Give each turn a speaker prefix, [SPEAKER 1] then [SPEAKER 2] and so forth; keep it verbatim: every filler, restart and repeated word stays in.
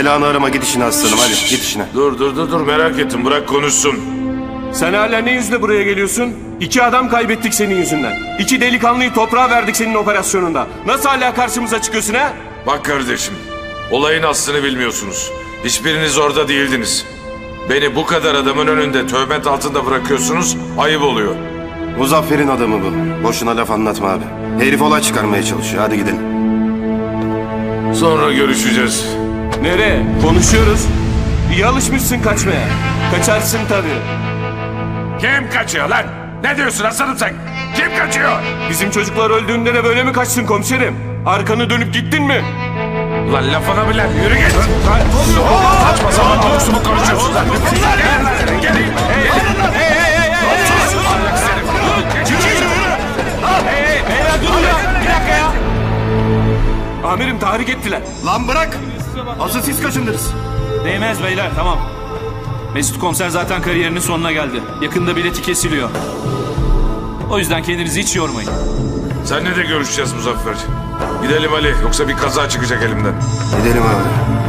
[SPEAKER 1] Belanı arama, git işine aslanım, hadi git işine.
[SPEAKER 2] Dur dur dur dur merak ettim, bırak konuşsun.
[SPEAKER 3] Sen hala ne yüzle buraya geliyorsun? İki adam kaybettik senin yüzünden. İki delikanlıyı toprağa verdik senin operasyonunda. Nasıl hala karşımıza çıkıyorsun ha?
[SPEAKER 2] Bak kardeşim, olayın aslını bilmiyorsunuz. Hiçbiriniz orada değildiniz. Beni bu kadar adamın önünde töhmet altında bırakıyorsunuz, ayıp oluyor.
[SPEAKER 1] Muzaffer'in adamı bu. Boşuna laf anlatma abi. Herif olay çıkarmaya çalışıyor, hadi gidelim.
[SPEAKER 2] Sonra görüşeceğiz.
[SPEAKER 3] Nereye? Konuşuyoruz. İyi alışmışsın kaçmaya. Kaçarsın tabii.
[SPEAKER 2] Kim kaçıyor lan? Ne diyorsun aslanım sen? Kim kaçıyor?
[SPEAKER 3] Bizim çocuklar öldüğünde de böyle mi kaçtın komiserim? Arkanı dönüp gittin mi?
[SPEAKER 2] Lan lafına bile yürü git. Saçma sapan konuştu mu konuşuyorsun lan? Gelin, gelin.
[SPEAKER 3] Hey hey hey hey hey! Hey hey beyler durun ya! Bir dakika ya! Amirim tahrik ettiler.
[SPEAKER 1] Lan bırak! Asıl siz kaçındınız.
[SPEAKER 4] Değmez beyler, tamam. Mesut komiser zaten kariyerinin sonuna geldi. Yakında bileti kesiliyor. O yüzden kendinizi hiç yormayın.
[SPEAKER 2] Seninle de görüşeceğiz Muzaffer. Gidelim Ali, yoksa bir kaza çıkacak elimden.
[SPEAKER 1] Gidelim abi.